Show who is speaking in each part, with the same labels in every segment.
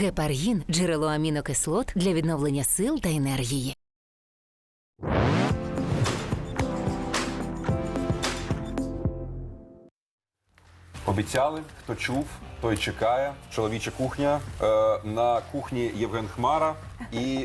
Speaker 1: Гепаргін – джерело амінокислот для відновлення сил та енергії.
Speaker 2: Обіцяли, хто чув, той чекає. Чоловіча кухня. На кухні Євген Хмара і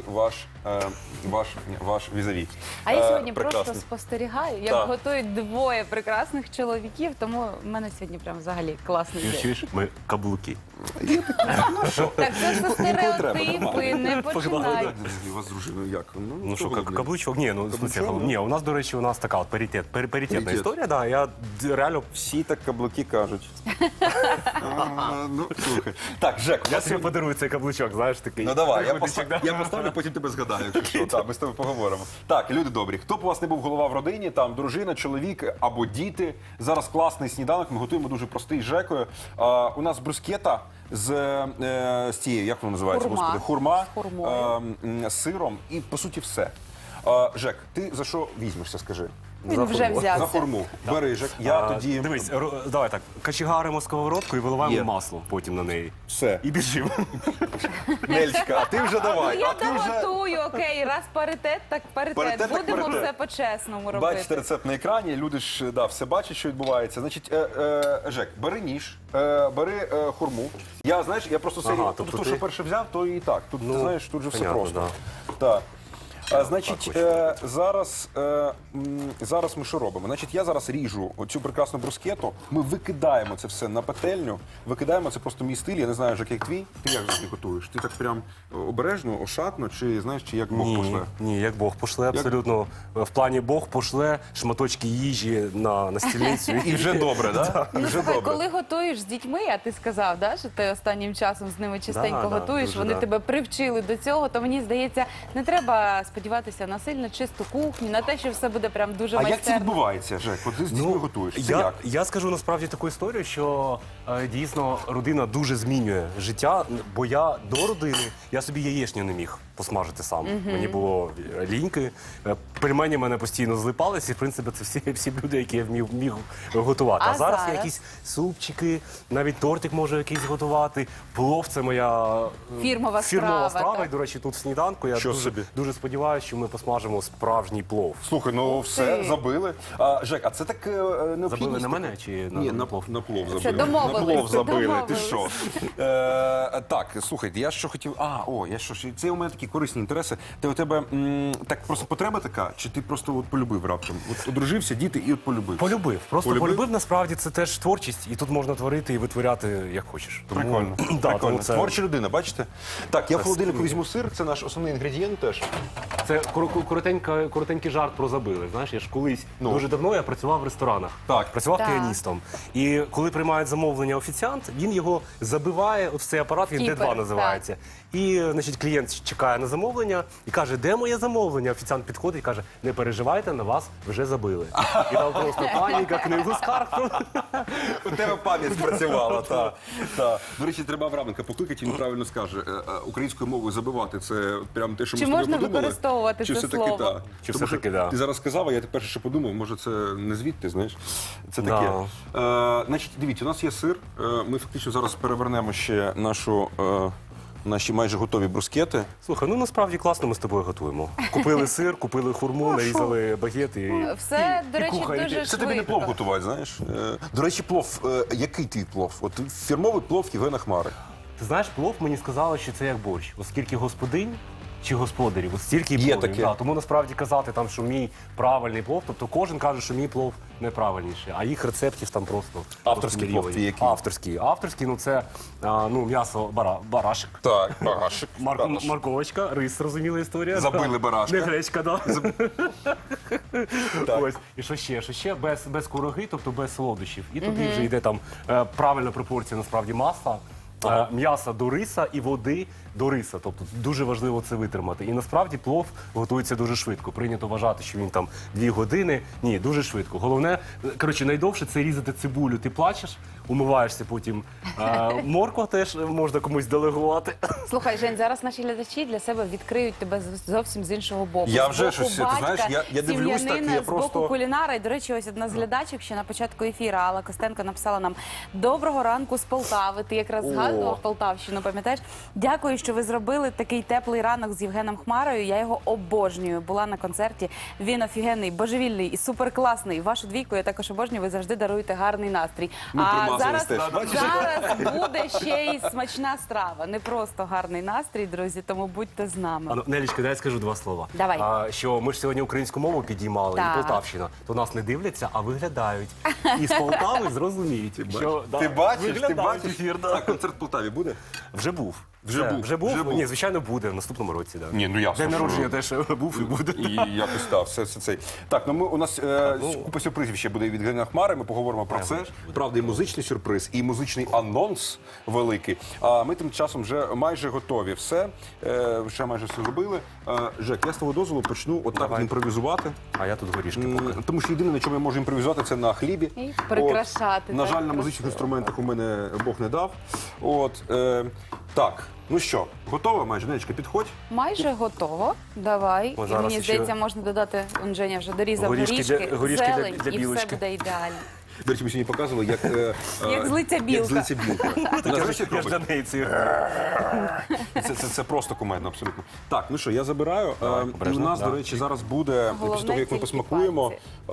Speaker 2: ваш візаві.
Speaker 3: А я сьогодні
Speaker 2: прекрасний.
Speaker 3: просто спостерігаю, як
Speaker 2: Так.
Speaker 3: готують двоє прекрасних чоловіків, тому в мене сьогодні прям взагалі класний день.
Speaker 4: Чуєш? Ми каблуки.
Speaker 3: Так, це все стереотипи,
Speaker 2: нормально.
Speaker 3: не починай.
Speaker 2: У вас з дружиною як?
Speaker 4: Ну що,
Speaker 2: хто ви,
Speaker 4: каблучок? Ні, ну в смысле,
Speaker 2: Каблучок?
Speaker 4: ні, у нас, до речі, така от паритетна
Speaker 2: Паритет.
Speaker 4: історія, да. Я реально
Speaker 2: Всі так каблуки кажуть. Ну, слухай. Так, Жек, у
Speaker 4: я
Speaker 2: нас
Speaker 4: собі подарую цей каблучок, знаєш, такий.
Speaker 2: Ну давай,
Speaker 4: приходичок, да.
Speaker 2: я поставлю, потім тебе згадаю, якщо що. Так, ми з тобою поговоримо. Так, люди добрі, хто б у вас не був голова в родині, там дружина, чоловік або діти. Зараз класний сніданок, ми готуємо дуже простий з Жекою. У нас брускета з цією, як воно називається,
Speaker 3: Хурма.
Speaker 2: господи, хурма,
Speaker 3: З хурмою.
Speaker 2: з сиром і, по суті, все. Жек, ти за що візьмешся, скажи?
Speaker 3: Він вже
Speaker 2: За
Speaker 3: взявся.
Speaker 2: хурму. Бери, Жек, я тоді...
Speaker 4: Дивись, давай так, качегаримо сковородку і виливаємо
Speaker 2: Є.
Speaker 4: масло потім на неї.
Speaker 2: Все.
Speaker 4: І біжимо.
Speaker 2: Нельчика, а ти вже
Speaker 3: Ну
Speaker 2: давай.
Speaker 3: я
Speaker 2: а ти вже...
Speaker 3: доготую, окей, раз паритет, так паритет.
Speaker 2: Паритет, так
Speaker 3: Будемо
Speaker 2: паритет.
Speaker 3: все по-чесному робити.
Speaker 2: Бачите рецепт на екрані, люди ж все бачать, що відбувається. Значить, Жек, бери ніж, бери хурму. Я, знаєш, я просто
Speaker 4: Ага,
Speaker 2: серію,
Speaker 4: тобто
Speaker 2: то,
Speaker 4: ти-
Speaker 2: що перше взяв, то і так. Тут, ти знаєш, тут же все
Speaker 4: понятно,
Speaker 2: просто.
Speaker 4: да.
Speaker 2: Так. Значить, зараз ми що робимо? Значить, я зараз ріжу оцю прекрасну брускету, ми викидаємо це все на пательню, викидаємо, це просто мій стиль, я не знаю, Жек, як твій. Ти як ти готуєш? Ти так прям обережно, ошатно, чи знаєш, чи як Бог пошле?
Speaker 4: Ні, як Бог пошле, абсолютно. В плані Бог пошле шматочки їжі на стільницю.
Speaker 2: І вже добре, так?
Speaker 3: Ну,
Speaker 2: Вже
Speaker 3: слухай,
Speaker 2: добре.
Speaker 3: коли готуєш з дітьми, а ти сказав, да, що ти останнім часом з ними частенько
Speaker 4: Да,
Speaker 3: готуєш,
Speaker 4: дуже,
Speaker 3: вони
Speaker 4: да.
Speaker 3: тебе привчили до цього, то мені здається, не треба сподіватися на сильно чисту кухню, на те, що все буде прям дуже
Speaker 2: А як це
Speaker 3: майстерно.
Speaker 2: відбувається, Жек? От ти з дітьми готуєш. Це як?
Speaker 4: Я скажу насправді таку історію, що дійсно родина дуже змінює життя, бо я до родини, я собі яєчню не міг посмажити сам. Мені було ліньки, пельмені мене постійно злипалися, і в принципі це всі блюда, які я міг готувати.
Speaker 3: А
Speaker 4: А зараз
Speaker 3: зараз?
Speaker 4: якісь супчики, навіть тортик можу якийсь готувати, плов – це моя
Speaker 3: Фірмова страва,
Speaker 4: страва.
Speaker 3: так.
Speaker 4: І, до речі, тут в сніданку я
Speaker 2: Що собі?
Speaker 4: дуже сподіваюся, що ми посмажимо справжній плов.
Speaker 2: Слухай, ну все, забили. Жек, а це так необхідність?
Speaker 4: Забили на мене чи
Speaker 2: Ні,
Speaker 4: на
Speaker 2: на
Speaker 4: плов?
Speaker 2: На плов забили.
Speaker 3: Це домовились,
Speaker 2: На плов забили, ти
Speaker 3: домовились.
Speaker 2: що? Так, слухайте, я що хотів... Це у мене такі корисні інтереси. У тебе так просто потреба така, чи ти просто от полюбив раптом? От одружився, діти і от полюбив?
Speaker 4: Полюбив. Просто
Speaker 2: Полюбив?
Speaker 4: полюбив, насправді, це теж творчість, і тут можна творити і витворяти, як хочеш. Тому,
Speaker 2: Прикольно.
Speaker 4: Да,
Speaker 2: Прикольно.
Speaker 4: тому це,
Speaker 2: Творча людина, бачите? Так, я в холодильнику візьму сир, це наш основний інгредієнт теж.
Speaker 4: це коротенький жарт про забили. Знаєш, я ж колись, дуже давно я працював в ресторанах.
Speaker 2: Так.
Speaker 4: Працював
Speaker 3: Так.
Speaker 4: піаністом. І коли приймають замовлення офіціант, він його забиває, от в цей апарат, він
Speaker 3: Кіпер,
Speaker 4: D2 називається. І, значить, клієнт чекає на замовлення і каже, де моє замовлення? Офіціант підходить і каже, не переживайте, на вас вже забили. І там просто паніка, книгу скарг.
Speaker 2: У тебе пам'ять спрацювала, так. До речі, треба Авраменка покликати, він правильно скаже. Українською мовою забивати – це прям те, що ми
Speaker 3: Чи
Speaker 2: з тобою
Speaker 3: можна
Speaker 2: подумали?
Speaker 3: використовувати
Speaker 2: Чи
Speaker 3: це
Speaker 2: все-таки
Speaker 3: слово?
Speaker 2: так?
Speaker 4: Чи
Speaker 2: Тому
Speaker 4: все-таки
Speaker 2: що
Speaker 4: да.
Speaker 2: Ти зараз сказав, а я перше ще подумав, може це не звідти, знаєш? Це таке. Значить, дивіться, у нас є сир. Ми фактично зараз перевернемо ще наші майже готові брускети.
Speaker 4: Слухай, ну насправді класно ми з тобою готуємо. Купили сир, купили хурму, нарізали багет і...
Speaker 3: Все, до речі,
Speaker 4: кухарі.
Speaker 3: дуже
Speaker 2: Це тобі не плов
Speaker 3: швидко.
Speaker 2: готувати, знаєш? До речі, плов. Який твій плов? От фірмовий плов Євгена Хмари.
Speaker 4: Ти знаєш, плов мені сказали, що це як борщ. Оскільки господинь чи господарів, от стільки і
Speaker 2: Є
Speaker 4: пловів.
Speaker 2: таке.
Speaker 4: Да, тому насправді казати, там, що мій правильний плов, тобто кожен каже, що мій плов неправильніший, а їх рецептів там просто...
Speaker 2: Авторський
Speaker 4: просто
Speaker 2: плов
Speaker 4: мільйони.
Speaker 2: твій який?
Speaker 4: Авторський, ну це м'ясо барашек.
Speaker 2: Так, багашик.
Speaker 4: Морковочка, рис, зрозуміла історія.
Speaker 2: Забили барашка.
Speaker 4: Не гречка, да.
Speaker 2: Так.
Speaker 4: Ось. І що ще? Без кураги, тобто без солодощів. І тоді вже йде там правильна пропорція, насправді, масла, м'яса до риса і води до риса. Тобто дуже важливо це витримати. І насправді плов готується дуже швидко. Прийнято вважати, що він там 2 години. Ні, дуже швидко. Головне, коротше, найдовше це різати цибулю. Ти плачеш, умиваєшся потім. Морква теж можна комусь делегувати.
Speaker 3: Слухай, Жень, зараз наші глядачі для себе відкриють тебе зовсім з іншого боку.
Speaker 2: Я
Speaker 3: З
Speaker 2: вже
Speaker 3: боку
Speaker 2: щось, ти
Speaker 3: батька,
Speaker 2: знаєш, я дивлюсь так,
Speaker 3: сім'янина,
Speaker 2: я
Speaker 3: з
Speaker 2: просто-
Speaker 3: боку кулінара. І, до речі, ось одна з глядачок, ще на початку ефіру, Алла Костенко написала нам: «Доброго ранку з Полтави». Ти якраз згадував Полтавщину, пам'ятаєш? Дякую, що ви зробили такий теплий ранок з Євгеном Хмарою. Я його обожнюю. Була на концерті. Він офігенний, божевільний і суперкласний. Вашу двійку я також обожнюю. Ви завжди даруєте гарний настрій.
Speaker 2: Ми
Speaker 3: А
Speaker 2: промазались
Speaker 3: зараз,
Speaker 2: теж, бачиш?
Speaker 3: зараз буде ще й смачна страва. Не просто гарний настрій, друзі, тому будьте з нами.
Speaker 4: Нелічка, дай я скажу два слова.
Speaker 3: Давай.
Speaker 4: Що ми ж сьогодні українську мову підіймали,
Speaker 3: Так.
Speaker 4: і Полтавщина, то нас не дивляться, а виглядають. І з Полтави зрозуміють, що
Speaker 2: Ти бачиш, ти
Speaker 4: виглядають
Speaker 2: бачиш?
Speaker 4: ефір, да.
Speaker 2: Так, концерт в Полтаві буде?
Speaker 4: Вже був.
Speaker 2: Вже був.
Speaker 4: Вже був?
Speaker 2: Вже був.
Speaker 4: Ні, звичайно, буде в наступному році. Да.
Speaker 2: Ні, ну ясно,
Speaker 4: День
Speaker 2: що-
Speaker 4: народження теж був і буде.
Speaker 2: І якось так, все цей. Так, ну у нас купа сюрпризів ще буде від Євгена Хмари. Ми поговоримо про це. Правда, і музичний сюрприз, і музичний анонс великий. А ми тим часом вже майже готові. Все, вже майже все зробили. Жек, я з твого дозволу почну отак
Speaker 4: Давай.
Speaker 2: імпровізувати.
Speaker 4: А я тут горішки поки.
Speaker 2: Тому що єдине, на чому я можу імпровізувати, це на хлібі.
Speaker 3: І прикрашати,
Speaker 2: На
Speaker 3: так,
Speaker 2: жаль, на музичних інструментах у мене Бог не дав. Так, ну що, готова майже? Нечка, підходь.
Speaker 3: Майже готово. Давай.
Speaker 4: О,
Speaker 3: І
Speaker 4: зараз
Speaker 3: мені
Speaker 4: ще-
Speaker 3: здається, можна додати, он Женя вже дорізав
Speaker 4: Горішки для
Speaker 3: зелень,
Speaker 4: для
Speaker 3: і все
Speaker 4: білочки.
Speaker 3: буде ідеально.
Speaker 2: До речі, ми сьогодні показували, як...
Speaker 3: Як злиться білка.
Speaker 2: Як злиться білка. Вона, знаєш, як
Speaker 4: Я ж
Speaker 2: робить?
Speaker 4: для неї ці.
Speaker 2: Це просто кумедно, абсолютно. Так, ну що, я забираю. І у
Speaker 4: обережно,
Speaker 2: нас,
Speaker 4: да.
Speaker 2: до речі, зараз буде,
Speaker 3: Головне,
Speaker 2: після того, як ми
Speaker 3: тільки
Speaker 2: посмакуємо,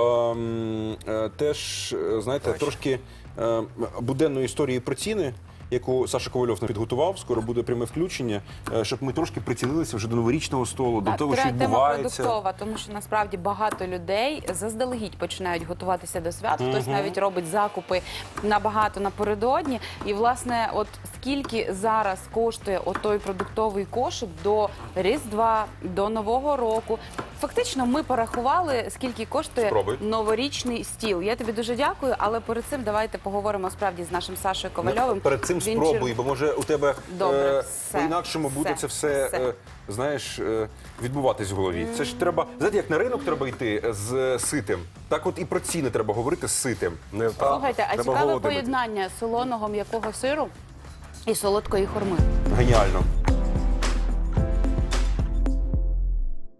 Speaker 2: теж, знаєте, трошки буденної історії про ціни, яку Саша Ковальов нам підготував. Скоро буде пряме включення, щоб ми трошки прицілилися вже до новорічного столу, до
Speaker 3: Так,
Speaker 2: того, що
Speaker 3: тема
Speaker 2: відбувається.
Speaker 3: продуктова, тому що насправді багато людей заздалегідь починають готуватися до свят. Хтось навіть робить закупи набагато напередодні. І, власне, от скільки зараз коштує отой продуктовий кошик до Різдва, до Нового року. Фактично, ми порахували, скільки коштує
Speaker 2: Спробуй.
Speaker 3: новорічний стіл. Я тобі дуже дякую, але перед цим давайте поговоримо справді з нашим Сашою Ковальовим.
Speaker 2: Перед цим
Speaker 3: Він
Speaker 2: спробуй, бо може у тебе
Speaker 3: Добре, все,
Speaker 2: по-інакшому буде це все, знаєш, відбуватись в голові. Це ж треба, знаєте, як на ринок треба йти з ситим, так от і про ціни треба говорити з ситим.
Speaker 3: Слухайте, а
Speaker 4: Треба
Speaker 3: цікаве
Speaker 4: голодними.
Speaker 3: поєднання солоного м'якого сиру і солодкої хурми.
Speaker 2: Геніально.